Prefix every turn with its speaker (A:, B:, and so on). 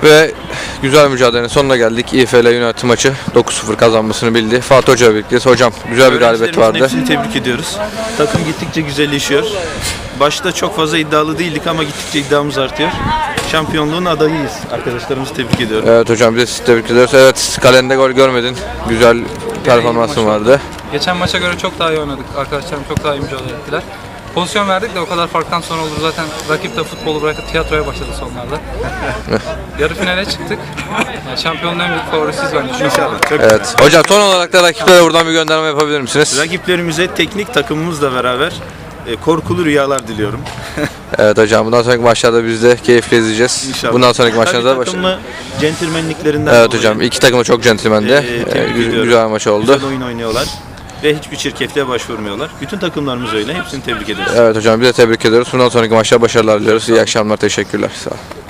A: Ve güzel mücadelenin sonuna geldik. İFL United maçı 9-0 kazanmasını bildi. Fatih Hoca ile birlikteyiz. Hocam güzel bir galibiyet vardı.
B: Hepsini tebrik ediyoruz. Takım gittikçe güzelleşiyor. Başta çok fazla iddialı değildik ama gittikçe iddiamız artıyor. Şampiyonluğun adayıyız. Arkadaşlarımızı tebrik ediyorum.
A: Evet hocam, biz de sizi tebrik ediyoruz. Evet, kalende gol görmedin. Güzel performansın vardı.
C: Geçen maça göre çok daha iyi oynadık. Arkadaşlarım çok daha iyi mücadele ettiler. Pozisyon verdik de o kadar farktan sonra olur. Zaten rakip de futbolu bırakıp tiyatroya başladı sonlarda. Yarı finale çıktık. Yani şampiyonluğun en büyük favorisiyiz bence.
B: İnşallah. Çok
A: Evet. Hocam son olarak da rakiplere buradan bir gönderme yapabilir misiniz?
B: Rakiplerimize teknik takımımızla beraber korkulu rüyalar diliyorum.
A: Evet hocam, bundan sonraki maçlarda biz de keyifle izleyeceğiz.
B: İnşallah.
A: Bundan sonraki maçlarda da
B: takımı centilmenliklerinden
A: Evet
B: dolayı,
A: hocam, iki takım da çok centilmendi.
B: tebrik ediyorum.
A: Güzel maç oldu.
B: Güzel oyun oynuyorlar ve hiçbir çirkefliğe başvurmuyorlar. Bütün takımlarımız öyle. Hepsini tebrik ediyoruz.
A: Evet hocam, biz de tebrik ediyoruz. Bundan sonraki maçlarda başarılar diliyoruz. İyi akşamlar, teşekkürler. Sağ olun.